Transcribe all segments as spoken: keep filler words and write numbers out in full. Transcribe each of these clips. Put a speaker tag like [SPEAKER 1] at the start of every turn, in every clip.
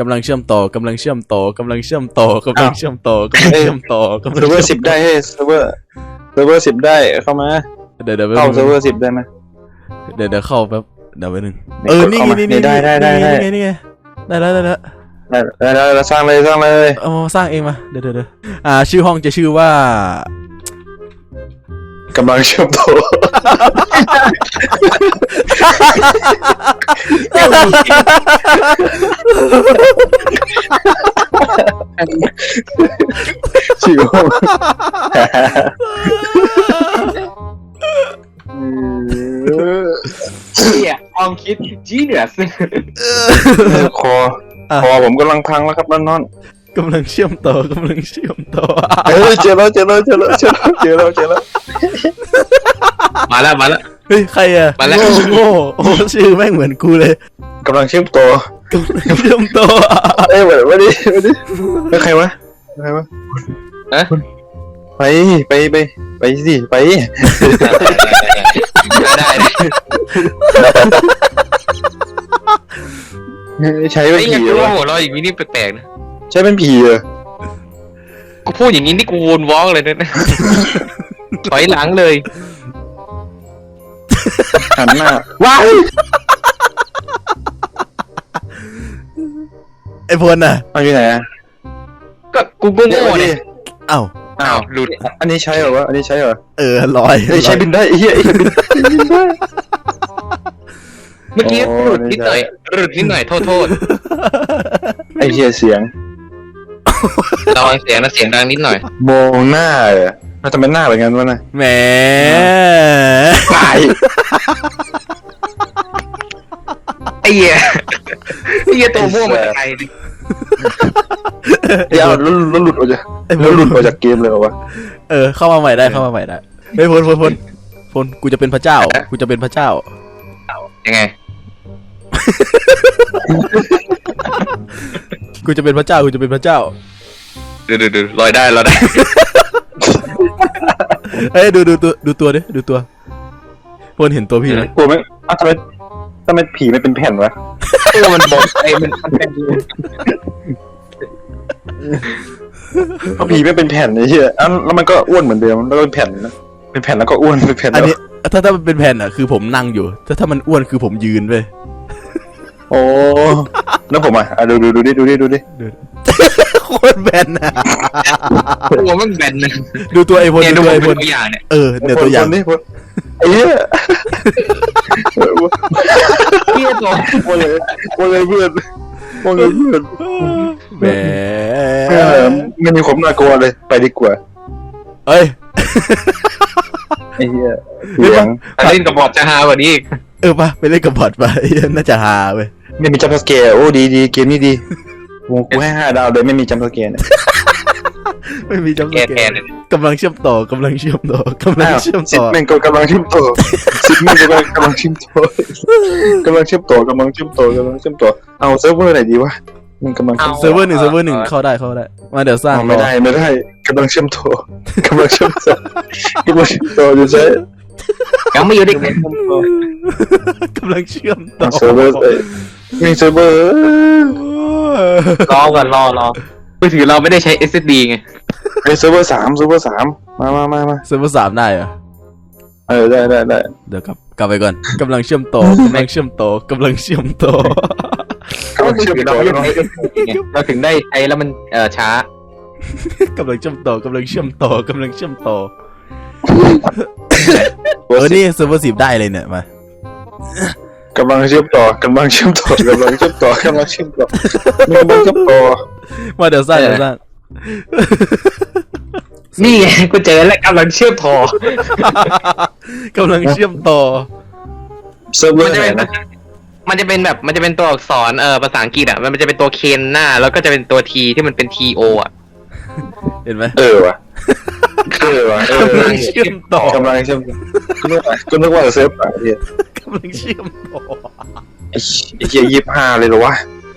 [SPEAKER 1] กำลังเชื่อมต่อกำลังเชื่อมต่อกำลังเชื่อมต่อกำลังเชื่อมต่อกำลังเชื่อมต่อกำลัง
[SPEAKER 2] เซิร์ฟเวอร์สิบได้เฮ้ยเซิร์ฟเวอร์เซิร์ฟเวอร์สิบได้เข้ามา
[SPEAKER 1] เดี๋ยวเดี๋ยว
[SPEAKER 2] เข้าเซิร์ฟเวอร์สิบได้ไหม
[SPEAKER 1] เดี๋ยวเดี๋ยวเข้าแป๊บเดี๋ยวไปหนึ่ง
[SPEAKER 2] นี่
[SPEAKER 1] เออก
[SPEAKER 2] ด
[SPEAKER 1] นี่
[SPEAKER 2] เข้า
[SPEAKER 1] ไง
[SPEAKER 2] มา
[SPEAKER 1] นี่
[SPEAKER 2] นี่
[SPEAKER 1] นี่
[SPEAKER 2] ได้ได้ได้ได้
[SPEAKER 1] นี่ไงนี่ไงได้แล้วได้แล้ว
[SPEAKER 2] ได้ได้ได้ได้สร้างเลยสร้างเลย
[SPEAKER 1] เอามาสร้างเองมาเดี๋ยวเดี๋ยวเดี๋ยวอ่าชื่อห้องจะชื่อว่าก
[SPEAKER 2] ำลังเชื่อมต่อชื่อห้อง
[SPEAKER 3] เนี่ยความคิดจีเนียส
[SPEAKER 2] คอคอผมกำลังพังแล้วครับนอนนอน
[SPEAKER 1] กำลังเชื่อมต่อกำลังเชื่อมต่อ
[SPEAKER 2] เฮ้ยเจอแล้วเจอแล้วเจอแล้วเจอแล้วเจอแล้วเจอแล้ว
[SPEAKER 3] มาแล้วมาแล้ว
[SPEAKER 1] เฮ้ยใครอะ
[SPEAKER 3] มาแล้ว
[SPEAKER 1] โง่โง่โอ้ชื่อแม่งเหมือนกูเลย
[SPEAKER 2] กำลังเชื่อมต่อก
[SPEAKER 1] ำลังเชื่อมต่อ
[SPEAKER 2] เอ้ยมาดิมาดิแล้วใครวะใครวะ
[SPEAKER 3] ฮะ
[SPEAKER 2] ไปไปไปไปสิไป
[SPEAKER 3] ได้ได้
[SPEAKER 2] ใช้
[SPEAKER 3] ไอ้
[SPEAKER 2] เป็น
[SPEAKER 3] ยั
[SPEAKER 2] ผี
[SPEAKER 3] ง
[SPEAKER 2] เหร
[SPEAKER 3] รู้
[SPEAKER 2] อ
[SPEAKER 3] ว่าหัวเราะอย่างนี้นี่แปลกๆนะ
[SPEAKER 2] ใช้เป็นผีเหรอ
[SPEAKER 3] กูพูดอย่างนี้นี่กูวนวอล์กเลยนะถอยหลังเลย
[SPEAKER 2] หันหน้าว้าย
[SPEAKER 1] ไอ้พลน่ะ
[SPEAKER 2] เอาอยู่ไหนอ่ะ
[SPEAKER 3] ก็กูกูโง่
[SPEAKER 2] ดิ
[SPEAKER 3] เนี่ย
[SPEAKER 1] เอ้า
[SPEAKER 3] อ้าวหลุด
[SPEAKER 2] อันนี้ใช้เหรอวะอันนี้ใช้เหรอ
[SPEAKER 1] เออลอย
[SPEAKER 2] เฮ้ยใช้บินได้ไอ้เหี้ยไอ้เหี้ยบินบินได้
[SPEAKER 3] เมื่อกี้
[SPEAKER 2] โอ้
[SPEAKER 3] หลุดนิดหน่อยหลุดนิดหน่อยโทษโทษ
[SPEAKER 2] ไอ้เหี้ยเสียง
[SPEAKER 3] ระวังเสียงนะเสียงดังนิดหน่อย
[SPEAKER 2] มองหน้าเหรอเราทำเป็นหน้าแบบนั้นวะนะ
[SPEAKER 1] แหม
[SPEAKER 2] ตาย
[SPEAKER 3] ไอ้เหี้ยไอ้เหี้ยตัวม่วงมาจากไหนดิ
[SPEAKER 2] เดี๋ยวแล้วแล้วหลุดออกจาก
[SPEAKER 1] ไอ้พ
[SPEAKER 2] แล้ว
[SPEAKER 1] ล
[SPEAKER 2] หลุดออกจากเกมเลยเหรอวะ
[SPEAKER 1] เออเข้ามาใหม่ได้เข้ามาใหม่ได้เฮ้ยพลพลพลพลกูจะเป็นพระเจ้ากูจะเป็นพระเจ้า
[SPEAKER 3] ยังไง
[SPEAKER 1] กูจะเป็นพระเจ้ากูจะเป็นพระเจ้า
[SPEAKER 3] ดูดูดูลอยได้ลอยได้
[SPEAKER 1] เฮ้ยดูดูตัวดูตัวดิดูตัวพลเห็นตัวพี่ไหม
[SPEAKER 2] กลัวไหมอ้าวทำไมทำไมผีไม่เป็นแผ่นวะ
[SPEAKER 3] ตัวมันบอกไอ้มันมันเป็น
[SPEAKER 2] เพราะผีไม่เป็นแผ่นไอ้เหี้ยอ้าวแล้วมันก็อ้วนเหมือนเดิมแล้วก็เป็นแผ่นนะเป็นแผ่นแล้วก็อ้วนเป็นแผ่น
[SPEAKER 1] อัน
[SPEAKER 2] แล้ว
[SPEAKER 1] นี้ถ้าถ้ามันเป็นแผ่นอ่ะคือผมนั่งอยู่ถ้าถ้ามันอ้วนคือผมยืนไป
[SPEAKER 2] โอ้แล้วผมอ่ะอ่ะดูดูดูดิดูดิดูดิ
[SPEAKER 1] โคตรแบนอ่ะ
[SPEAKER 3] ตัวมันแบนนะ
[SPEAKER 1] ดูตัวไอ้พล
[SPEAKER 3] เนี่ย
[SPEAKER 1] ดู
[SPEAKER 3] ดู
[SPEAKER 1] ตัว
[SPEAKER 3] มัน
[SPEAKER 1] ไอ้พ
[SPEAKER 3] เป็
[SPEAKER 1] ล
[SPEAKER 3] นตัวอย่างเนี่ย
[SPEAKER 1] เออเนี่ยตัวอย่าง
[SPEAKER 2] คนนี่คนไอ้เหี้ย
[SPEAKER 3] เหี้ยตัว
[SPEAKER 2] โอ้เลยโอ้เลยเพื่อนโอ้เลยเพื่อน
[SPEAKER 1] แหม
[SPEAKER 2] เออไม่มีความน่ากลัวเลยไปดีกว่า
[SPEAKER 1] เอ้ย
[SPEAKER 2] ไอ้เหี้ยเสียง
[SPEAKER 3] ถ้าเล่นกับบอดจะฮากว่านี้อีก
[SPEAKER 1] เออปะไปเล่นกับบอทไปน่าจะฮาเว้ย
[SPEAKER 2] ไม่มีจัมป์สแกร์โอ้ดีดีเกมนี้ดีโอ้กูให้ห้าดาวเลยไม่มีจัมป์สแกร์เนี่ย
[SPEAKER 1] ไม่มีจำ
[SPEAKER 3] แก
[SPEAKER 1] ส
[SPEAKER 3] แก
[SPEAKER 1] แกน
[SPEAKER 3] เนี่ย
[SPEAKER 1] กำลังเชื่อมต่อกำลังเชื่อมต่อกำลังเชื่อม
[SPEAKER 2] สิบ
[SPEAKER 1] ต่อ
[SPEAKER 2] แม่งก็กำลังเชื่อมต่อสิบแม่งก็กำลังเชื่อมต่อกำลังเชื่อมต่อกำลังเชื่อมต่อกำลังเชื่อมต่อเอาเซิร์ฟเวอร์ไหนดีวะมันกำลัง
[SPEAKER 1] เซิร์ฟเวอร์หนึ่งเซิร์ฟเวอร์หนึ่งเข้าได้เข้าได้มาเดี๋ยวสร้าง
[SPEAKER 2] เอาไม่ได้ไม่ได้กำลังเชื่อมต่อกำลังเชื่อมต่อกำลังเชื่อมต่อจะใช้
[SPEAKER 3] ยังไม่อยู่ดิ
[SPEAKER 1] กำลังเชื่อมต่อ
[SPEAKER 2] เซิร์ฟเวอร์มีเซิร์ฟเวอร์
[SPEAKER 3] รอก่อนรอรอมือถือเราไม่ได้ใช้ เอส เอส ดี ไง
[SPEAKER 2] ไอเซิร์ฟเวอร์สามเซิร์ฟเวอร์สามมามามามา
[SPEAKER 1] เซิร์ฟเวอร์สามได้เหรอ
[SPEAKER 2] เออได้ได้ได้
[SPEAKER 1] เดี๋ยวกลับกลับไปก่อนกำลังเชื่อมต่อกำลังเชื่อมต่อกำลังเชื่อมต่อก
[SPEAKER 2] ำลังเชื่อมต่อ
[SPEAKER 3] เราไม่ได้ใช้ เอส เอส ดี ไงเราถึงได้ใช้แล้วมันเอ่อช้าก
[SPEAKER 1] ำลังเชื่อมต่อกำลังเชื่อมต่อกำลังเชื่อมต่อเออนี่เซิร์ฟเวอร์สิบได้เลยเนี่ยมาก
[SPEAKER 2] ำลังเชื่อมต่อกำลังเชื่อมต่อกำลังเชื่อมต่อกำลังเชื่อมต่อกำลังเชื่อมต่อ
[SPEAKER 1] มาเดี๋ยวสร้างเดี๋ยวสร้าง
[SPEAKER 3] นี่ไงกูเจอแล้วกำลังเชื่อมต่อก
[SPEAKER 1] ำลังเชื่อมต่อ
[SPEAKER 2] เซิร์ฟเวอ
[SPEAKER 3] มัน
[SPEAKER 2] ร์
[SPEAKER 3] จะ
[SPEAKER 2] ไหน
[SPEAKER 3] เป็น
[SPEAKER 2] นะ
[SPEAKER 3] มันจะเป็นแบบมันจะเป็นตัวอักษรเอ่อภาษาอังกฤษอ่ะมันจะเป็นตัวเคนหน้าแล้วก็จะเป็นตัวทีที่มันเป็นทีโออ่ะ
[SPEAKER 1] เห็นไหม
[SPEAKER 2] เออว่ะเออว่ะเออก
[SPEAKER 1] ำลังเชื่อมต่อก
[SPEAKER 2] ำลังเชื่อมต่อก็นึกว่าก็นึกว่าเซิร์ฟไหนเนี่ย
[SPEAKER 1] กำลังเชื่อมต่อ
[SPEAKER 2] ไอ้ไอ้เหี้ยยี่สิบห้าเลยเหรอวะ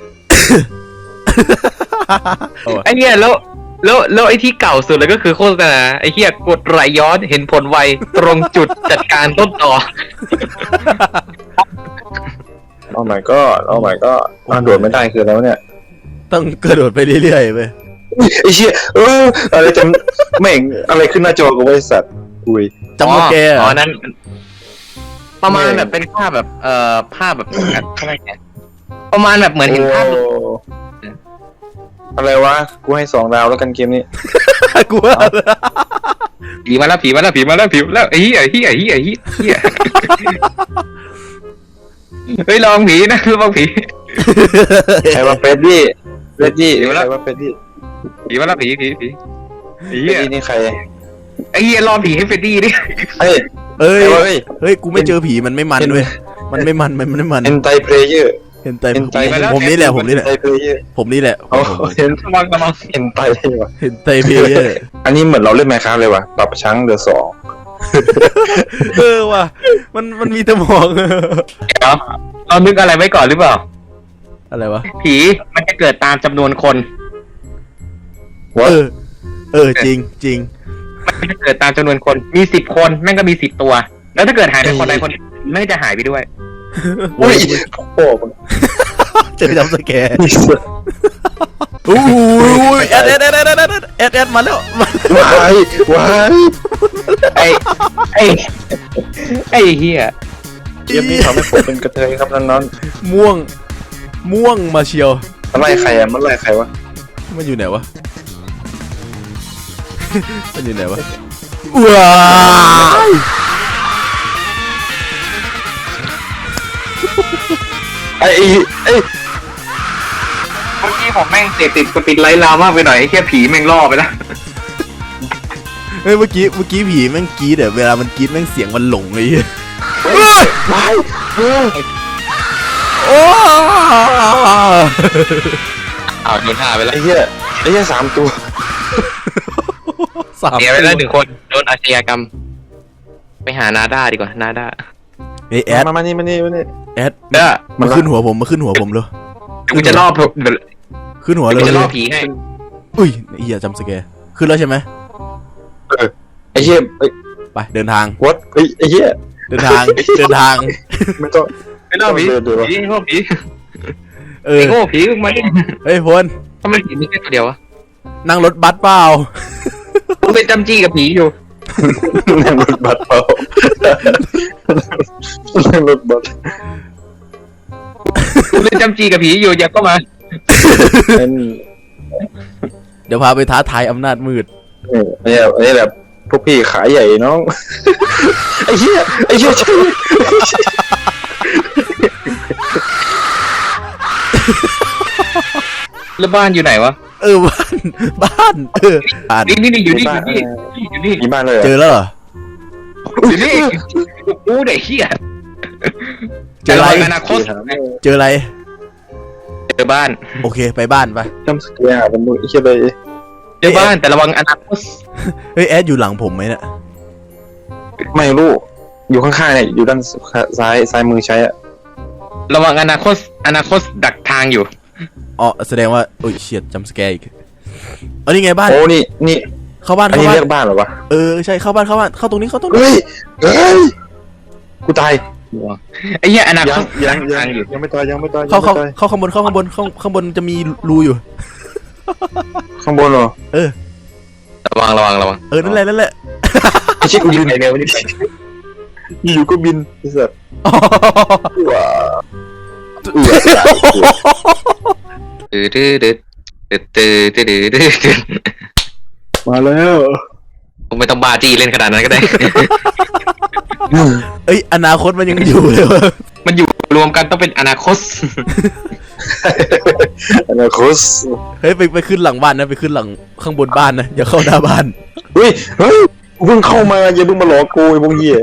[SPEAKER 3] ไอ้เหี้ยแล้วแล้วแล้วไอ้ที่เก่าสุดเลยก็คือโฆษณาไอ้เหี้ยกดไหลย้อนเห็นผลไวตรงจุดจัดการต้นต่อ
[SPEAKER 2] โอ้ my god โอ้ my god อ่าโดดไม่ได้คือแล้วเนี่ย
[SPEAKER 1] ต้องกระโดดไปเรื่อยๆไป
[SPEAKER 2] ไอ้เชี่ยเอออะไรจำแม่งอะไรขึ้นหน้าจอกับไอ้สัตว์คุย
[SPEAKER 1] จำว่าแก
[SPEAKER 3] อ๋อนั้นประมาณแบบเป็นภาพแบบเอ่อภาพแบบอะไรเนี่ยประมาณแบบเหมือนเห็นภาพ
[SPEAKER 2] โอ้อะไรวะกูให้สองดาวแล้วกันเกมนี้
[SPEAKER 1] กูว่า
[SPEAKER 3] ผีมาแล้วผีมาแล้วผีมาแล้วผีมาแล้วไอ้เหี้ยไอ้เหี้ยไอ้เหี้ยไอ้เหี้ยเฮ้ยลองผีนะลองผี
[SPEAKER 2] ใครว่าเฟรดดี้เฟรดดี้ใครว่าเฟรดดี้
[SPEAKER 3] ผีมาแล้วผีผีผีไอ้
[SPEAKER 2] เฟร
[SPEAKER 3] เหี้
[SPEAKER 2] ด
[SPEAKER 3] ย
[SPEAKER 2] ดี้นี่ใคร
[SPEAKER 3] ไอ้เหี้ยรอผีให้เฟรดดี้ดิ
[SPEAKER 2] เฮ้ย
[SPEAKER 1] เอ้ย
[SPEAKER 2] ใครวะเฮ้ย
[SPEAKER 1] เฮ้ยกูไม่เจอผีมันไม่มันเว้ยมันไม่มันมันไม่มัน
[SPEAKER 2] เอ็นไตเพลเยอร์
[SPEAKER 1] เห็นแต่
[SPEAKER 2] เห็นใจ
[SPEAKER 1] ผมนี่แหละผมนี่แหละ
[SPEAKER 2] ไตเพลเยอร์
[SPEAKER 1] ผมนี่แหละ
[SPEAKER 2] เอาเห็น
[SPEAKER 3] กำลังกำลัง
[SPEAKER 2] เห็นไตเลยวะ
[SPEAKER 1] เห็นไตเพลเยอร์
[SPEAKER 2] อันนี้เหมือนเราเล่นแมคคาเลยว่ะปรับช้างเดือสอง
[SPEAKER 1] เออว่ะมันมันมีแต่หมอง
[SPEAKER 3] เดี๋ยวเรานึกอะไรไว้ก่อนหรือเปล่า
[SPEAKER 1] อะไรวะ
[SPEAKER 3] ผีมันจะเกิดตามจำนวนคน
[SPEAKER 2] วะ
[SPEAKER 1] เออเออจริงจริง
[SPEAKER 3] มันจะเกิดตามจำนวนคนมีสิบคนแม่งก็มีสิบตัว แล้วถ้าเกิดหายไปคนใดคนไม่จะหายไปด้วย
[SPEAKER 2] อุ้ยโอ้โห
[SPEAKER 1] เจอจำสแกร์อู้ยแอดแอดแอดแอดแอดแอดแอดมาแล้วมา
[SPEAKER 2] วายวาย
[SPEAKER 3] ไอ้ไอ้ไอ้เหี้ย
[SPEAKER 2] เกมนี้ทำให้ผมเป็นกระเทยครับน้อง
[SPEAKER 1] ม่วงม่วงมาเชียว
[SPEAKER 2] ๆมันไล่ใครอ่ะมันไล่ใครวะ
[SPEAKER 1] มันอยู่ไหนวะ มันอยู่ไหนวะว้าย
[SPEAKER 2] ไอ้ไอ้
[SPEAKER 3] เมื่อกี้ผมแม่งเสพติดสปิดไลท์ลามากไปหน่อยแค่ผีแม่งล่อไปแล้ว
[SPEAKER 1] เฮ้ยเมื่อกี้เมื่อกี้ผีแม่งกรี๊ดอะเวลามันกรี๊ดแม่งเสียงมันหลงเลย
[SPEAKER 2] วายเออ
[SPEAKER 1] โอ้
[SPEAKER 3] อ้าวโดนท่าไปแล้ว
[SPEAKER 2] ไอ้เหี้ยไอ้เหี้ยสามตัว
[SPEAKER 1] สาม
[SPEAKER 3] เสียไปแล้วหนึ่งคนโดนอาชญากรรม ไปหานาด้าดีกว่านาด้า
[SPEAKER 1] เฮ้ยแอด
[SPEAKER 2] มามานี่มานี่มานี่
[SPEAKER 1] แอด
[SPEAKER 3] เด้อ
[SPEAKER 1] มาขึ้นหัวผมมาขึ้นหัวผมเลย
[SPEAKER 3] เดี๋ยวกูจะล่อเดี๋ยว
[SPEAKER 1] ขึ้นหัวเลย
[SPEAKER 3] กูจะล่อผีให้
[SPEAKER 1] อุ้ยเหี้ยจำสแกร์ขึ้นแล้วใช่ไหม
[SPEAKER 2] ไอ้เหี้ยไอ้
[SPEAKER 1] ไปเดินทาง
[SPEAKER 2] วัดไอ้ไอ้เหี้ย
[SPEAKER 1] เดินทางเดินทาง
[SPEAKER 2] ไม่ต้อง
[SPEAKER 3] ไปล่อผี
[SPEAKER 2] เดี๋ยวเดี๋ยว
[SPEAKER 3] ผีโง่ผี
[SPEAKER 1] เอ
[SPEAKER 3] ไอ้
[SPEAKER 1] อ
[SPEAKER 3] โง่ผีมึงมาดิ
[SPEAKER 1] เฮ้ยพล
[SPEAKER 3] ทำไมผีมีแค่ตัวเดียววะ
[SPEAKER 1] นั่งรถบัสเปล่า
[SPEAKER 3] มึงเป็นจำจี้กับผีอยู่
[SPEAKER 2] นั่งรถบัสเปล่านั่งรถบัส
[SPEAKER 3] มึงเป็นจำจี้กับผีอยู่อย่าก็มา
[SPEAKER 2] นั่น
[SPEAKER 1] เดี๋ยวพาไปท้าทายอำนาจมืด
[SPEAKER 2] นี่ไอ้เนี่ยไอ้แบบพวกพี่ขายใหญ่น้องไอ้เหี้ยไอ้เหี้ยใช่
[SPEAKER 3] แล้วบ้านอยู่ไหนวะ
[SPEAKER 1] เออบ้านบ้านเออบ้าน
[SPEAKER 3] นี่นี่นี่อยู่นี่อยู่นี่อยู่นี่
[SPEAKER 2] มีบ้านเลย
[SPEAKER 1] เจอแล้วเหรอ
[SPEAKER 3] อยู่นี่กูเด็กเหี้ย
[SPEAKER 1] เจออะไร
[SPEAKER 3] อนาคต
[SPEAKER 1] เจออะไร
[SPEAKER 3] เจอบ้าน
[SPEAKER 1] โอเคไปบ้านไป
[SPEAKER 2] จำสเกียร์เป็นมือไอ้เหี้ยไป
[SPEAKER 3] เจอบ้านแต่ระวังอนาคต
[SPEAKER 1] เฮ้ยแอดอยู่หลังผมไหมเนี่ย
[SPEAKER 2] ไม่รู้อยู่ข้างๆเนี่ยอยู่ด้านซ้ายซ้ายมือใช้อะ
[SPEAKER 3] ระวังอนาคตอนาคตดักทางอยู่
[SPEAKER 1] อ๋อแสดงว่าโอ้ยเฉียดจำสแกร์อีกเอานี่ไงบ้าน
[SPEAKER 2] โอ้นี่นี่
[SPEAKER 1] เข้าบ้าน
[SPEAKER 2] อัน
[SPEAKER 1] เข้า
[SPEAKER 2] นี้
[SPEAKER 1] บ้าน
[SPEAKER 2] เรียกบ้านเหรอวะ
[SPEAKER 1] เออใช่เข้าบ้านเข้าบ้านเข้าตรงนี้เข้าตรงนี้
[SPEAKER 2] เฮ้ยเฮ้ยกูตาย
[SPEAKER 3] ไอ้เหี้ยอนาค
[SPEAKER 2] ยัง
[SPEAKER 3] ต
[SPEAKER 2] ยัง
[SPEAKER 3] ดัก
[SPEAKER 2] ยั
[SPEAKER 3] ทาง งอยู่
[SPEAKER 2] ยังไม่ตายยังไม่ตาย
[SPEAKER 1] เข้าเข้า
[SPEAKER 2] ยังไม่ตย
[SPEAKER 1] เข้าข้างบนเข้าข้างบนเข้าข้างบนจะมีรูอยู่
[SPEAKER 2] ข้างบนเหรอ
[SPEAKER 1] เออ
[SPEAKER 3] ระวังระวังระวัง
[SPEAKER 1] เออนั่นแหละนั่นแหละ
[SPEAKER 2] ไอ้ชิคกู
[SPEAKER 3] รี
[SPEAKER 2] บิ
[SPEAKER 3] บ
[SPEAKER 2] น
[SPEAKER 3] ไปเร็วรีบไป
[SPEAKER 2] อยู่ๆก็บินไอ้สัสว้าเอือ
[SPEAKER 3] ตื้อตื้อตื้อตื้อตื้อตื้อตื้อตื้อ
[SPEAKER 2] มาแล้ว
[SPEAKER 3] ผมไม่ต้องบาจี้เล่นขนาดนั้นก็ได้
[SPEAKER 1] เอ้ยอนาคตมันยังอยู่เลยวะ
[SPEAKER 3] มันอยู่รวมกันต้องเป็นอนาคต
[SPEAKER 2] อนาคต
[SPEAKER 1] เฮ้ยไปไปขึ้นหลังบ้านนะไปขึ้นหลังข้างบนบ้านนะอย่าเข้าหน้าบ้าน
[SPEAKER 2] เฮ้ยเฮ้ยกูเพิ่งเข้ามาอย่าเพิ่งมาหลอกกูไอ้พวกเหี้ย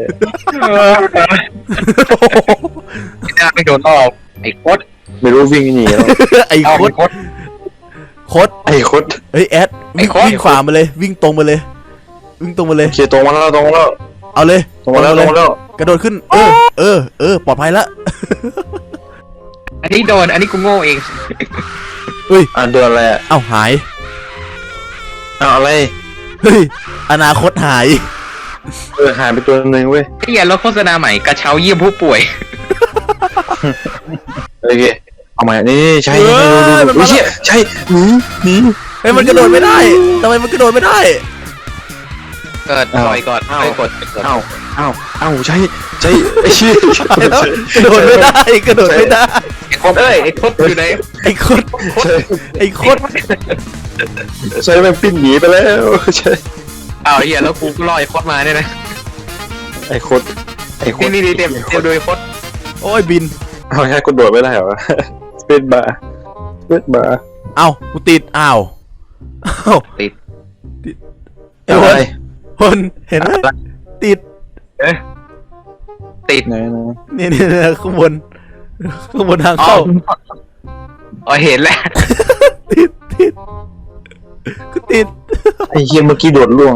[SPEAKER 3] ไม่ได้ไม่โดนล่อไอ้โคตร
[SPEAKER 2] ไม่รู้วิ่งหนีแล้ว
[SPEAKER 1] ไอ้
[SPEAKER 3] เอา
[SPEAKER 1] โค
[SPEAKER 3] ไอ้
[SPEAKER 1] ตร
[SPEAKER 3] โคตร
[SPEAKER 1] โคตร
[SPEAKER 2] ไอ้โคตร
[SPEAKER 1] เฮ้ยแอด
[SPEAKER 3] ไอ้
[SPEAKER 1] วิ่ง
[SPEAKER 3] โค้ด
[SPEAKER 1] วิ่งขวามาเลยวิ่งตรงมาเลย วิ่งตรงมาเลย
[SPEAKER 2] โอเคตรงมาแล้วตรงมาแล้ว
[SPEAKER 1] เอาเลย
[SPEAKER 2] ตรงมาแล้วตรงมาแล้ว
[SPEAKER 1] กระโดดขึ้นเออเออเออปลอดภัยละ
[SPEAKER 3] อันนี้โดนอันนี้กูโง่เอง
[SPEAKER 2] อ่ะโดนอะไรอ่ะ
[SPEAKER 1] เอ้าหาย
[SPEAKER 2] อ้าวอะไร
[SPEAKER 1] เฮ้ยอนาคตหาย
[SPEAKER 2] เออหายไปตัวหนึ่งเว้ย
[SPEAKER 3] ไอ้เหี้ยรถโฆษณาใหม่กระเช้าเยี่ยมผู้ป่วย
[SPEAKER 2] โอเคเอามานี่ใช่ดูดูดูใช่หนีหนี
[SPEAKER 1] เฮ้ยมันกระโดดไม่ได้ทำไมมันกระโดดไม่ได้
[SPEAKER 3] เกิดปล่อยก่อนปล่อยกด
[SPEAKER 2] เอ้าเอ้าเอ้าใช่ใช่ไอ้ชี้
[SPEAKER 1] ตายแล้วกระโดดไม่ได้กระโดดไม่ได้
[SPEAKER 3] ไอ้โคตรเอ้ยไอ้โคตรอยู่ไหน
[SPEAKER 1] ไอ้โคตร
[SPEAKER 2] ใช่
[SPEAKER 1] ไอ้โคตร
[SPEAKER 2] ใช่มันปิ้นหนีไปแล้วใช่
[SPEAKER 3] อ้าวเฮียแล้วกูก็รอไอ้โคตรมาเนี่ยนะ
[SPEAKER 2] ไอ้โคตรไอ้โคต
[SPEAKER 3] นี่
[SPEAKER 2] ร
[SPEAKER 3] นี่นี่เต็มเต็มโดยโคตร
[SPEAKER 1] โอ้ยบิน
[SPEAKER 2] เอาแค่กดโดดไม่ได้เหรอเป็นบาเป็นบา
[SPEAKER 1] เอ้ากูติดอ้าวเอ้า
[SPEAKER 3] ติด
[SPEAKER 1] ไอ้คนคนเห็นไหมติด
[SPEAKER 3] เอ๊ะติด
[SPEAKER 2] ไหนไหน
[SPEAKER 1] นี่นี่ข้างบนข้างบนทาง
[SPEAKER 3] อ๋อ
[SPEAKER 1] เข้า
[SPEAKER 3] อ๋อเห็นแล้ว
[SPEAKER 1] ติดติดกูติด
[SPEAKER 2] ไอ้เฮียเมื่อกี้โดดล่วง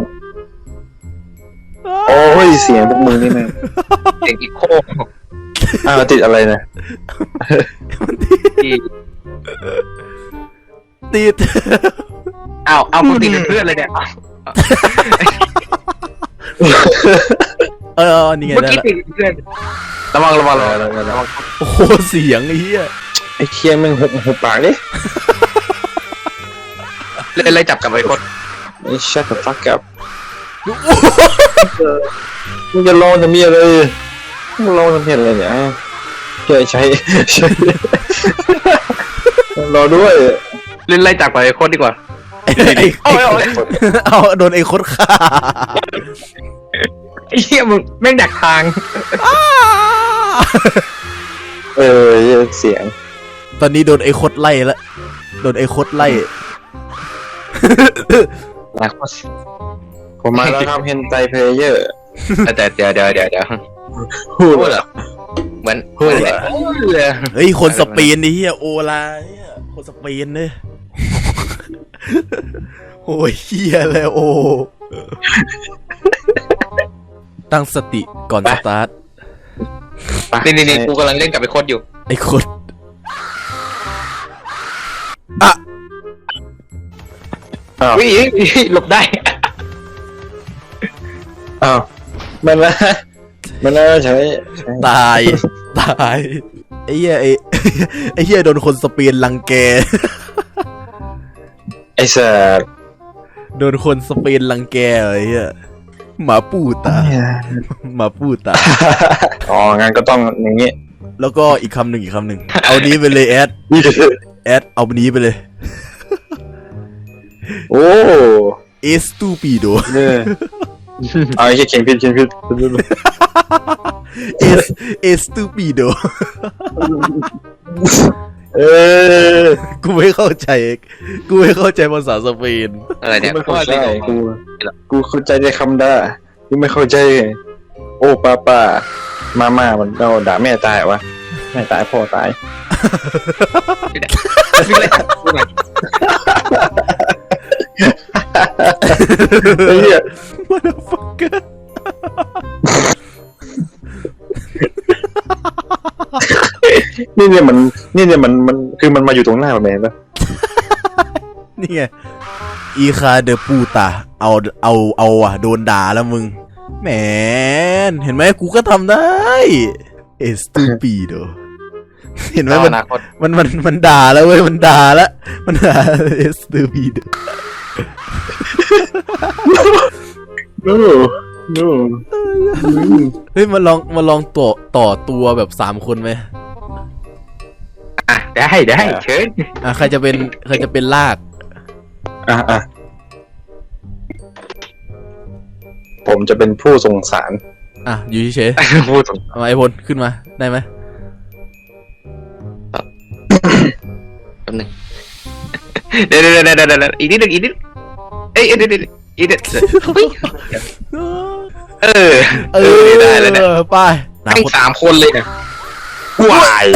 [SPEAKER 2] โอ้ยเสียงพวกมึงนี่แม่ง
[SPEAKER 3] เสียงอีโค
[SPEAKER 2] อ้าวติดอะไรนะ
[SPEAKER 1] มันติด
[SPEAKER 3] ที่
[SPEAKER 1] ติด
[SPEAKER 3] อ้าวเอากูติดเป็นเพื่อนเลยเนี่ย
[SPEAKER 1] เออนี่ไง
[SPEAKER 3] เมื่อ
[SPEAKER 1] ได้
[SPEAKER 3] กี้
[SPEAKER 1] ละ
[SPEAKER 3] ติดเป็นเพื่อนระวังระวังระวังระวัง
[SPEAKER 1] โอ้โหเสียงไอ้เหี้ย
[SPEAKER 2] ไอ้เคียแม่งหุบหุบปากดิ
[SPEAKER 3] เล่นไล่จับกับไอ้โคตร
[SPEAKER 2] ไอ้ shut the fuck up มึงจะลองจะมีอะไรมึงลองจะเห็นอะไรเนี่ยใช่ใช่ใช่รอด้วย
[SPEAKER 3] เล่นไล่จับกับไอ้โคตรดีกว่า
[SPEAKER 1] ไอ้ไอ้
[SPEAKER 3] เอาเอา
[SPEAKER 1] เอาโดนไอ้โคตรฆ่า
[SPEAKER 3] ไอ้เหี้ยมึงแม่งดักทาง
[SPEAKER 2] เออเสียง
[SPEAKER 1] ตอนนี้โดนไอ้โคตรไล่แล้วโดนไอ้โคตรไล่
[SPEAKER 3] ดัก
[SPEAKER 2] ผมมาแล้วครับเฮนไตเพลเยอร์
[SPEAKER 3] แต่เดี๋ยวเดี๋ยวเดี๋ยวเดี๋ยว
[SPEAKER 2] พูด
[SPEAKER 3] พูดเหรอเหมือนพูดเลยพูดเลย
[SPEAKER 1] เฮ้ยคนสเปนนี่เฮียโอลาเฮียคนสเปนเนี่ยโอ้ยเฮียเลยโอตั้งสติก่อนสตาร์ท
[SPEAKER 3] นี่นี่นี่กูกำลังเล่นกับไอ้โคตรอยู่
[SPEAKER 1] ไอ้คนอ่ะ
[SPEAKER 2] อ้าว
[SPEAKER 3] วิ่งหลบได้
[SPEAKER 2] อ้าวมันละมันละใช่
[SPEAKER 1] ตายตายไอ้เหี้ยไอ้ไอ้เหี้ยโดนคนสเปนรังแก
[SPEAKER 2] ไอ้สัส
[SPEAKER 1] โดนคนสเปนรังแกไอ้เหี้ยหมาปูตาหมาปูตา
[SPEAKER 2] อ๋องั้นก็ต้องอย่างงี้
[SPEAKER 1] แล้วก็อีกคำหนึ่งอีกคำหนึ่งเอานี้ไปเลยแอดแอดเอานี้ไปเลย
[SPEAKER 2] โอ้
[SPEAKER 1] เอสตูปิโด
[SPEAKER 2] เนี่ยเอาไอ้เขียนผิดเขียนผิด
[SPEAKER 1] เอสเอสตูปิโด
[SPEAKER 2] เออ
[SPEAKER 1] กูไม่เข้าใจกูไม่เข้าใจภาษาสเปน
[SPEAKER 3] อะไรเนี่ย
[SPEAKER 2] ไม่เข้าใจ
[SPEAKER 3] ว่า
[SPEAKER 2] กู กูเข้าใจในคำด่ากูไม่เข้าใจโอ้ป้าป้ามาม่ามันเราด่าแม่ตายวะแม่ตายพ่อตาย
[SPEAKER 3] วิ่งไล่จับกูหน่อย
[SPEAKER 2] ไอ้เหี้ย
[SPEAKER 1] Motherfucker
[SPEAKER 2] นี่เนี่ยมันนี่เนี่ยมันมันคือมันมาอยู่ตรงหน้าแมนปะ
[SPEAKER 1] นี่ไงอีคาเดปูตาเอาเอาเอาอ่ะโดนด่าแล้วมึงแหมนเห็นไหมกูก็ทำได้เอสตูปิโดเห็นไหมมัน
[SPEAKER 3] อนาคต
[SPEAKER 1] มันมันมันด่าแล้วเว้ยมันด่าแล้วมันด่าเอสตูปิโด
[SPEAKER 2] โน้โน้
[SPEAKER 1] เฮ้ยมาลองมาลองต่อต่อตัวแบบสามคนไหม
[SPEAKER 3] อ่ะได้ได้เชิญ
[SPEAKER 1] อ่ะใครจะเป็นใครจะเป็นลาก
[SPEAKER 2] อ่ะอ่ะผมจะเป็นผู้สงสาร
[SPEAKER 1] อ่ะอยู่เฉย
[SPEAKER 3] พูดตรง
[SPEAKER 1] ๆเอามาไอพลขึ้นมาได้ไหม
[SPEAKER 3] แป๊บนึงเดี๋ยวเดี๋ยวเดี๋ยวเดี๋ยวเดี๋ยวอีกนิดนึงอีกนิดเอ้ยเดี๋ยวเดี๋ยวอีกนิดเออ
[SPEAKER 1] เอ
[SPEAKER 3] เออได้แล้วเนี่ย
[SPEAKER 1] อไปนา
[SPEAKER 3] ทั้ง
[SPEAKER 1] คต
[SPEAKER 3] สามคนเลยนะวาย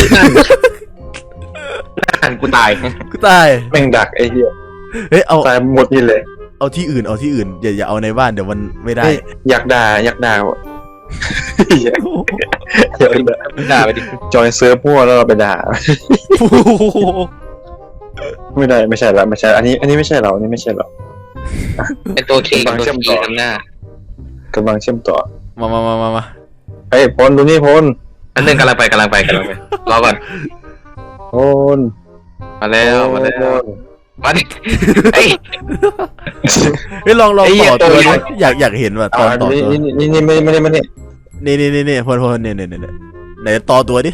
[SPEAKER 3] นั่นกูตาย
[SPEAKER 1] กูตาย
[SPEAKER 2] แม่งดักไอ้เหี้ย
[SPEAKER 1] เฮ้ยเอา
[SPEAKER 2] ตายหมดนี่เลย
[SPEAKER 1] เอาที่อื่นเอาที่อื่นอย่าอย่าเอาในบ้านเดี๋ยวมันไม่ได้
[SPEAKER 2] เฮ้ยอยากด่าอยากด่าอยากอยากด่า
[SPEAKER 3] ด่าไปดิ
[SPEAKER 2] จอยเซิร์ฟพวกแล้วเราไปด่า
[SPEAKER 1] โอ้โห
[SPEAKER 2] ไม่ได้ไม่ใช่ละไม่ใช่อันนี้อันนี้ไม่ใช่เราอันนี้ไม่ใช่เรา
[SPEAKER 3] เป็นตัวเคตัวคีทำหน้าก
[SPEAKER 2] ำลังเชื่อมต่อ
[SPEAKER 1] มามามามามา
[SPEAKER 2] เฮ้ยพลดูนี่พล
[SPEAKER 3] อันนึงกำลังไปกำลังไปกำลังไปรอก่อน
[SPEAKER 2] โอน
[SPEAKER 3] มาแล้วมาแล้วมาดิไอ้
[SPEAKER 1] เฮ้ยลองลอง
[SPEAKER 3] ไอ้เหี้
[SPEAKER 1] ต่
[SPEAKER 3] ย
[SPEAKER 1] อตัว
[SPEAKER 3] ตัว
[SPEAKER 1] นี้อยากอยากเห็นว่ะต
[SPEAKER 2] อ่า
[SPEAKER 1] อนต่อ
[SPEAKER 2] นี่
[SPEAKER 1] ตัว
[SPEAKER 2] นี่นี่นี่ไม่ไม่ได้ไม่ได้
[SPEAKER 1] นี่นี่นี่นี่พลพลเนี่ยเนี่ยเนี่ยไหนต่อตัวดิ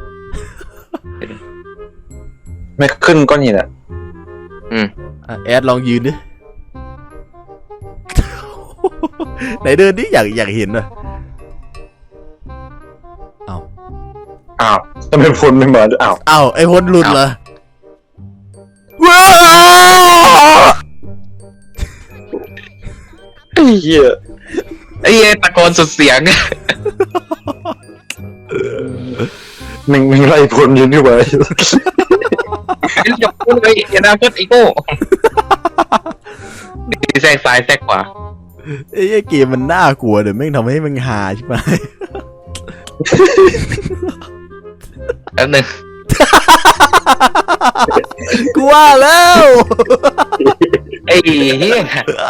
[SPEAKER 2] ไม่ขึ้นก้อนหินอ่ะ
[SPEAKER 3] อืม
[SPEAKER 1] อ่ะแอดลองยืนดิ ไหนเดินดิอยากอยากเห็นว่ะเอา
[SPEAKER 2] อ้าวทำไมพลไม่มาอ้าว
[SPEAKER 1] เอาไอ้พลหลุดเหรอว้า
[SPEAKER 2] ไอ้เหี้ย
[SPEAKER 3] ไอ้เหี้ยตะโกนสุดเสียง
[SPEAKER 2] มึงมึงไล่พลยืนอยู่ไว้
[SPEAKER 3] ไอ้จะพูดเลยอนาคตอีโก้แทรกซ้ายแทรกขวา
[SPEAKER 1] ไอ้เกมมันน่ากลัวเดี๋ยวแม่งทำให้มันหาใช่ไหม
[SPEAKER 3] แป๊บนึง
[SPEAKER 1] กูว่าแล้ว
[SPEAKER 3] ไอ้เหี้ย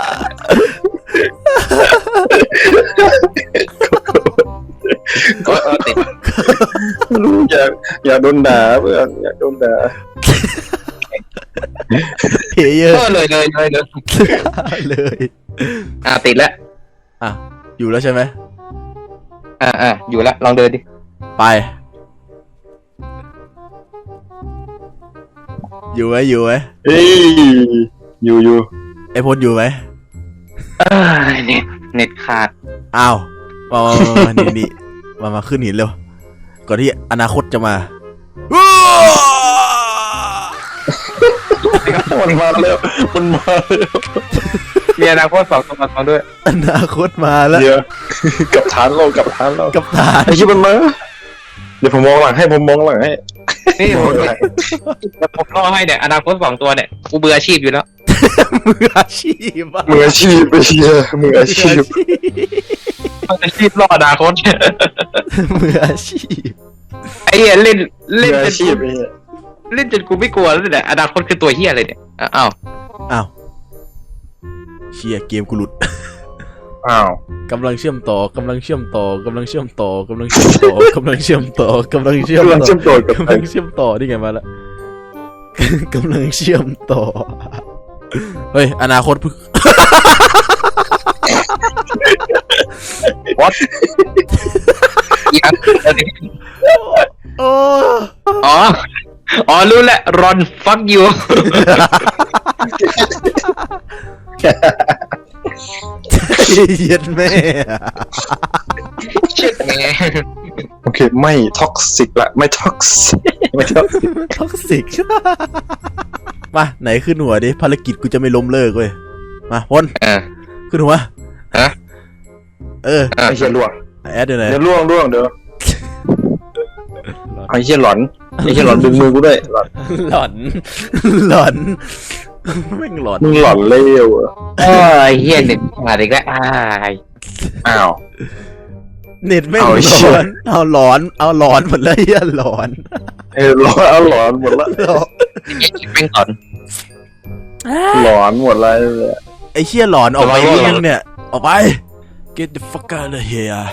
[SPEAKER 3] ก็ติด
[SPEAKER 2] รู้อยากอยากโดนด่าเพื่อนอยากโดนด่า
[SPEAKER 1] เพเยอร์
[SPEAKER 3] ก็เลยเลยเลยเลย
[SPEAKER 1] เลย
[SPEAKER 3] อ่ะติดแล้ว
[SPEAKER 1] อ่ะอยู่แล้วใช่ไหม
[SPEAKER 3] อ่ะอ่ะอยู่แล้วลองเดินดิ
[SPEAKER 1] ไปอยู่ไหมอยู่ไหม
[SPEAKER 2] เอ้ยอยู่อยู่
[SPEAKER 1] ไอพลอยู่ไหม
[SPEAKER 3] เอ้ยเน็ตเน็ตขาด
[SPEAKER 1] อ้าวมามามามานี่นี่มามาขึ้นหินเร็วก่อนที่อนาคตจะมา
[SPEAKER 2] มันมาแล้วมันมาแล้ว
[SPEAKER 3] มีอนาคตสองตัวสองด้วย
[SPEAKER 1] อนาคตมาแล้ว
[SPEAKER 2] เดี๋ยวกับฐานเรากับฐานเรา
[SPEAKER 1] กับฐาน
[SPEAKER 2] ไอ้ชิบมันมาเดี๋ยวผมมองหลังให้ผมมองหลังให้
[SPEAKER 3] นี่ผมแล้วผมรอให้เนี่ยอนาคตสองตัวเนี่ยกูเบื่ออาชีพอยู่แล้ว
[SPEAKER 1] มืออาชีพอะ
[SPEAKER 2] มืออาชีพไปเชียมืออาชีพ
[SPEAKER 3] อาชีพรออนาคต
[SPEAKER 1] มืออาชีพ
[SPEAKER 3] ไอ้เหี้ยเล่น
[SPEAKER 2] มื
[SPEAKER 3] เล่น
[SPEAKER 2] อ
[SPEAKER 3] จ
[SPEAKER 2] อาน ชีพไอ้เหี้ย
[SPEAKER 3] เล่นจนกูไม่กลัวแล้วเนี่ยอนาคตคือตัวเหี้ยอะไรเนี่ยอ้าว
[SPEAKER 1] อ้าวเชียเกมกูหลุด
[SPEAKER 2] อ้าว
[SPEAKER 1] กำลังเชื่อมต่อกำลังเชื่อมต่อกำลังเชื่อมต่อกำลังเชื่อมต่อกำลังเชื่อมต่อกำลังเชื่อม
[SPEAKER 2] กำลัง
[SPEAKER 1] ต่อ
[SPEAKER 2] เชื่อมต่อกับ
[SPEAKER 1] กำลังเชื่อมต่อนี่ไงมาแล้ว กำลังเชื่อมต่อเฮ้ยอนาคตเพิ่ง
[SPEAKER 3] what อีกอัน
[SPEAKER 1] โอ้
[SPEAKER 3] อ๋ออ๋อรู้แล้วรอน fuck you
[SPEAKER 1] เย็นแม่
[SPEAKER 3] เช็ดแม่
[SPEAKER 2] โอเคไม่ท็อกซิกละไม่ท็อกซิกไม่ท็อกซิก
[SPEAKER 1] ท็อกซิก มาไหนขึ้นหัวดิภารกิจกูจะไม่ล้มเลิกเว้ยมาพล
[SPEAKER 3] อ่า
[SPEAKER 1] ขึ้นหัว
[SPEAKER 3] ฮะ
[SPEAKER 1] เออ
[SPEAKER 3] อ่า
[SPEAKER 2] ไอ้เชี่ยล่วง
[SPEAKER 1] แอดอยู่ไหน
[SPEAKER 2] เดี๋ยวล่วงล่วงเดี๋ยวไอ้เชี่ยหลอนไอ้เชี่ยหลอนดึงมือกูด้วยหลอน
[SPEAKER 1] หลอน หลอนแม่งหลอน
[SPEAKER 2] มึงหลอนเลวเหรอ
[SPEAKER 3] เอ้ยเฮียเน็ตขาดอีกแล้วอ้าย
[SPEAKER 2] อ้าว
[SPEAKER 1] เน็ตแม่ง
[SPEAKER 2] เอา
[SPEAKER 1] ห
[SPEAKER 2] ไอ้
[SPEAKER 1] ล
[SPEAKER 2] เชี่
[SPEAKER 1] อย นเอาหลอนเอาหลอนหมดเลยเหี้ยหลอน
[SPEAKER 2] เออหลอนเอาหลอนหมดละ
[SPEAKER 1] หลอน
[SPEAKER 3] เฮียเป็นก่อน
[SPEAKER 2] หลอนหมดเลย
[SPEAKER 1] ไอ้เชี่ยหลอนออกไป
[SPEAKER 3] หลอน
[SPEAKER 1] ยังเนี่ยออกไป get the fuck out of here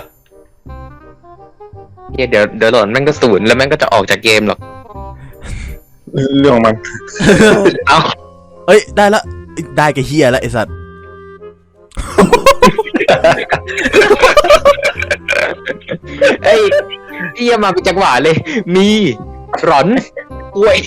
[SPEAKER 3] เฮียเดี๋ยวเดี๋ยวหล่นแม่งก็ศูนย์แล้วแม่งก็จะออกจากเกมหรอก
[SPEAKER 2] เรื่องของมัน
[SPEAKER 3] เอ้า
[SPEAKER 1] เอ้ยได้ละได้กับเฮียแล้วไอ้สัตว์
[SPEAKER 3] เอ้ยเฮียมาเป็นจังหวะเลย มีหลอนกล้วย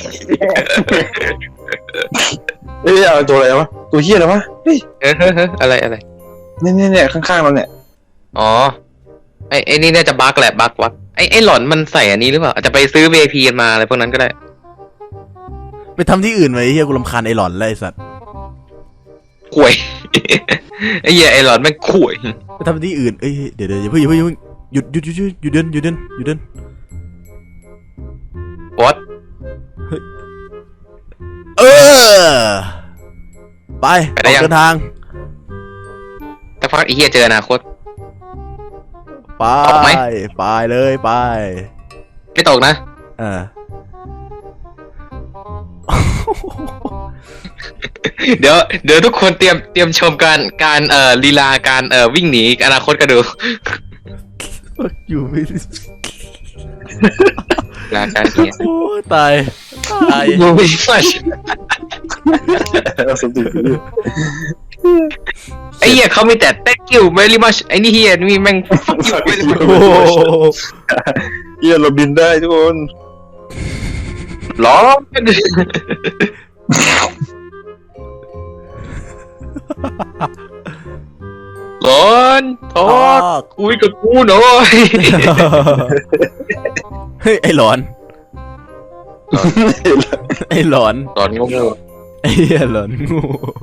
[SPEAKER 2] เอ้ยเอาตัวอะไรวะตัวเชี่ยอะไรวะเฮ้ย
[SPEAKER 3] เออเฮ้ยเฮ้ยอะไรอะไร
[SPEAKER 2] เนี่ยเนี่ยเนี่ยข้างๆเราเนี่ย
[SPEAKER 3] อ๋อไอ้ไอ้นี่น่าจะบั๊กแหละบั๊กวักไอ้ไอ้หลอนมันใส่อันนี้หรือเปล่าอาจจะไปซื้อ วี ไอ พี มาอะไรพวกนั้นก็ได้
[SPEAKER 1] ไปทำที่อื่นไว้ไอ้เฮียกูรำคาญไอ้หลอนแล้วไอ้สัตว์
[SPEAKER 3] กล้วย ไอ้เหี้ยไอ้หลอนแม่งกล้วย
[SPEAKER 1] ไปทำที่อื่นเอ้ยเดี๋ยวเดี๋ยวอย่าเพิ่งอย่าเพิ่งอย่าเพิ่งหยุดหยุดหยุดหยุดหยุดเดินหยุดเดินหยุดเดิน
[SPEAKER 3] what
[SPEAKER 1] เออไปออกเดินทาง
[SPEAKER 3] ถ้าฟักไอ้เหี้ยเจออนาคต
[SPEAKER 1] ไป
[SPEAKER 3] ออกไหม
[SPEAKER 1] ไปเลยไป
[SPEAKER 3] ไม่ตกนะ
[SPEAKER 1] เออ
[SPEAKER 3] เดี๋ยวเดี๋ยวทุกคนเตรียมเตรียมชมการการเอ่อลีลาการเอ่อวิ่งหนีอนาคตกันดู
[SPEAKER 1] อยู่ไม่
[SPEAKER 3] ลาการเขียน
[SPEAKER 1] โอ้ตายตาย
[SPEAKER 3] มูวี่ฟัช
[SPEAKER 2] สมจิต
[SPEAKER 3] ไอ้เหี้ยเขามีแต่ thank you very much ไอ้นี่เหี้ยนี่แม่ง fuck you very much
[SPEAKER 1] โอ้
[SPEAKER 2] เฮียเราบินได้ทุกคน
[SPEAKER 3] ร้อนร้อนทอดคุยกับกูหน่อย
[SPEAKER 1] เฮ้ยไอ้หลอนไอ้หลอน
[SPEAKER 3] ตอนงง
[SPEAKER 1] ไอ้เหี้ยหลอนงู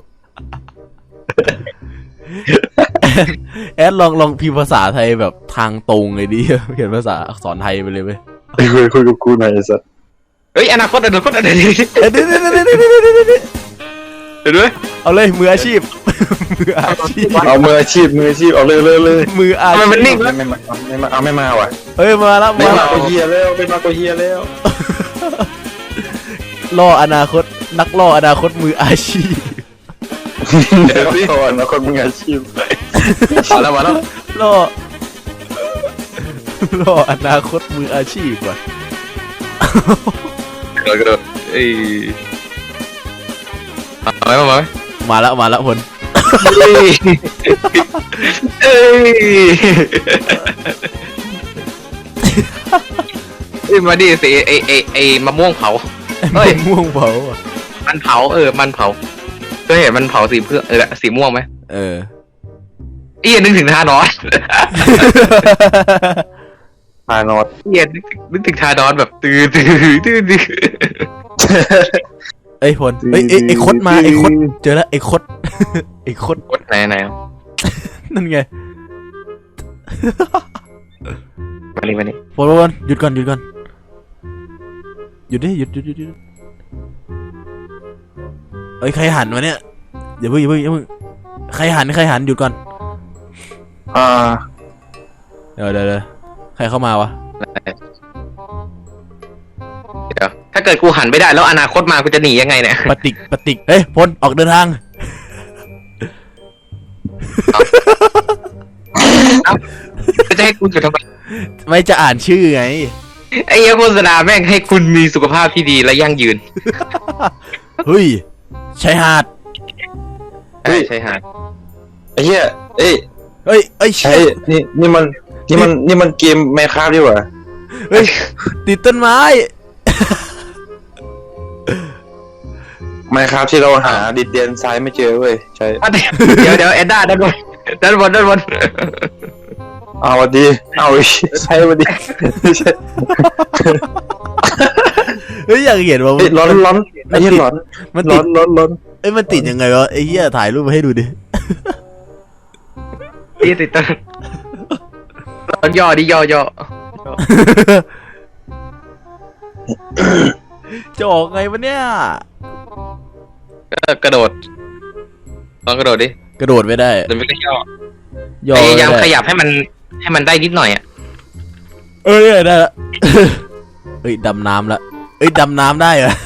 [SPEAKER 1] แอดลองลองพิมพ์ภาษาไทยแบบทางตรงเลยดิเขียนภาษาอักษรไทยไปเลยเว้ย
[SPEAKER 2] ไอ้คุยคุยกับกูหน่อยไอ้สัส
[SPEAKER 3] เฮ้ยอนาคตอนาคตอนาคต
[SPEAKER 1] เดี๋ยวเดี๋ยวเดี๋ยวเดี๋ยวเดี๋ยวเดี๋ยวเดี๋ยว
[SPEAKER 3] เดี๋ยวด้วย
[SPEAKER 1] เอาเลยมืออาชีพมืออาชีพ
[SPEAKER 2] เอามืออาชีพมืออาชีพเอาเลยเลยเลย
[SPEAKER 1] มืออา
[SPEAKER 3] ทำไม
[SPEAKER 1] ชีพ
[SPEAKER 3] มันนิ่ง
[SPEAKER 2] ไม่ไม่มาไม่มาเอาไม่มาว่ะ
[SPEAKER 1] เฮ้ยมาแล้ว
[SPEAKER 2] ไม่
[SPEAKER 1] มา
[SPEAKER 2] มา
[SPEAKER 1] แล้ว
[SPEAKER 2] ก็เฮียแล้วไม่มาก็เฮียแล้ว
[SPEAKER 1] ล่ออนาคตนักล่ออนาคตมืออาชีพ
[SPEAKER 2] เดี๋ยวก่อนนะคนมืออาชีพ
[SPEAKER 3] มาแล้วมาแล้ว
[SPEAKER 1] ล่อล่ออนาคตมืออาชีพว่ะ
[SPEAKER 3] กระโดดกระโดดเอ้ยมาไหมมาไหม
[SPEAKER 1] มาแล้วมาแล้วพล
[SPEAKER 3] เอ้ยเอ้ยเอ้ยมาดิสิไอไอไอมะม่วงเผา เฮ้ย
[SPEAKER 1] ม่วงเผาอ่ะ
[SPEAKER 3] มันเผาเออมันเผาเคยเห็นมันเผาสีเพื่อเออสีม่วงไหม
[SPEAKER 1] เออ
[SPEAKER 3] เอียนึกถึงทานอส
[SPEAKER 2] พานอด
[SPEAKER 3] เอียนึกนึกถึงทานอสแบบตื้อตื้อตื้อตื้อ
[SPEAKER 1] ไอ้พลเอ้ยไอ้ไอ้คดมาไอ้คดเจอแล้วไอ้คดไอ้คด
[SPEAKER 3] กดไหนไหน
[SPEAKER 1] นั่นไง
[SPEAKER 3] มานี่มานี่
[SPEAKER 1] พลพลหยุดก่อนหยุดก่อนหยุดดิหยุดหยุดหยุดหยุดเอ้ยใครหันมาเนี่ยอย่าเพิ่งอย่าเพิ่งอย่าเพิ่งใครหันใครหันหยุดก่อน
[SPEAKER 2] อ่า
[SPEAKER 1] เดี๋ยวเดี๋ยวเดี๋ยวใครเข้ามาวะ
[SPEAKER 3] เดี๋ยวถ้าเกิดกูหันไม่ได้แล้วอนาคตมากูจะหนียังไงเนี่ย
[SPEAKER 1] ปฏิกปฏิกเฮ้ยพลออกเดินทาง
[SPEAKER 3] จะให้กูอยู่ทำไม
[SPEAKER 1] ไม่จะอ่านชื่อไง
[SPEAKER 3] ไอ้เหี้ยโฆษณาแม่งให้คุณมีสุขภาพที่ดีและยั่งยืน
[SPEAKER 1] เฮ้ยชายหาด
[SPEAKER 3] ใช่ใช่ฮะ
[SPEAKER 2] ไอ้เฮียเอ้ย
[SPEAKER 1] เฮ้ยเอ้ย
[SPEAKER 2] ใช่
[SPEAKER 1] เชี่ย
[SPEAKER 2] นี่นี่มันนี่มันนี่มันเกมแมคคราฟดีกว่า
[SPEAKER 1] เฮ้ยติดต้นไม้
[SPEAKER 2] แมคคราฟที่เราหาดินแดนซ้ายไม่เจอเว้ยใช่
[SPEAKER 3] เดี๋ยวเดี๋ยวเอ็ดด้าด้านบนด้านบนด้านบน
[SPEAKER 2] เอาวันดีเอาใช่วันดีใช่
[SPEAKER 1] เฮ้ยอยากเห็นว่า
[SPEAKER 2] เฮ้ยร้อนร้อนไอ้เหี้ยร้อน
[SPEAKER 1] มัน
[SPEAKER 2] ร้
[SPEAKER 1] ติ
[SPEAKER 2] อ
[SPEAKER 1] ด
[SPEAKER 2] นร้อนร้อน
[SPEAKER 1] เอ้ยมันติดยังไงวะไอ้เหี้ยถ่ายรูปมาให้ดูดิ
[SPEAKER 3] นี่ติดต้นต้นย่อดิย่อย่อ
[SPEAKER 1] จะออกไงวะเนี่ย
[SPEAKER 3] ก็กระโดดลองกระโดดดิ
[SPEAKER 1] กระโดดไม่ได้
[SPEAKER 3] เดี๋ยวไม่ก็ย่อ
[SPEAKER 1] ย่อ
[SPEAKER 3] พ
[SPEAKER 1] ไม่
[SPEAKER 3] ยายามข
[SPEAKER 1] ได้
[SPEAKER 3] ยับให้มันให้มันได้นิดหน่อยอ่ะ
[SPEAKER 1] เอ้ยได้ละ เอ้ยดำน้ำละเอ้ยดำน้ำได้เหรอ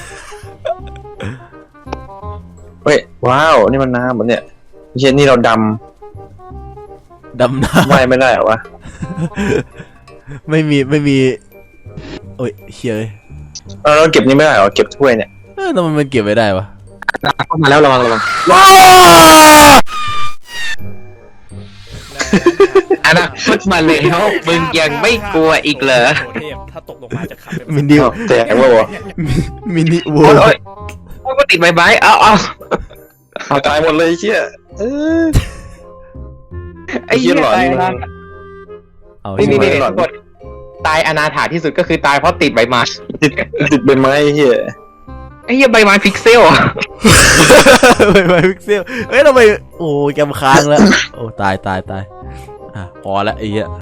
[SPEAKER 2] เฮ้ยว้าวนี่มันน้ำเหมือนเนี่ยเฮียนี่เราด
[SPEAKER 1] ดำน้
[SPEAKER 2] ำว่ายไม่ได้เหรอวะ
[SPEAKER 1] ำ ไม่มีไม่มีโอ้ยเฮียเอ้ย
[SPEAKER 2] เออเราเก็บนี่ไม่ได้เหรอเก็บถ้วยเนี่ย
[SPEAKER 1] เออทำไมมันเก็บไม่ได้วะ
[SPEAKER 3] เข้ามาแล้วระวังระวัง
[SPEAKER 1] ว้าว
[SPEAKER 3] อนาคตมาแล้วมึงยังไม่กลัวอีกเหรอ
[SPEAKER 4] โเทพถ้าตกลงมาจะขับเป็น
[SPEAKER 1] มินิ
[SPEAKER 2] อ้าวแตกว่าวะ
[SPEAKER 1] มินิวั
[SPEAKER 3] โอ้
[SPEAKER 1] วย
[SPEAKER 3] โอ้ยโอ้ยก็ติดใบไม้เอาเอา
[SPEAKER 2] เอาตายหมดเลยไอ้เชี่ยเออ
[SPEAKER 3] ไอ้เหี้ย
[SPEAKER 2] ไอ้เหี้ยหลอน
[SPEAKER 3] ตายแล้ว
[SPEAKER 1] เอา
[SPEAKER 3] นี่
[SPEAKER 1] ใช่
[SPEAKER 3] นี่
[SPEAKER 1] ไหม
[SPEAKER 3] นี่
[SPEAKER 2] หลอน
[SPEAKER 3] กดตายอนาถาที่สุดก็คือตายเพราะติดใบไม้
[SPEAKER 2] ติดติดใบไม้ไอ้เฮีย
[SPEAKER 3] ไอ้เหี้ยใบไม้พิกเซลอะ
[SPEAKER 1] ไปไปพิกเซลเอ้ยทำไมโอ้ยแกมค้างแล้ว โอ้ตายตายตายอ่ะพอละไอ้เหี้ย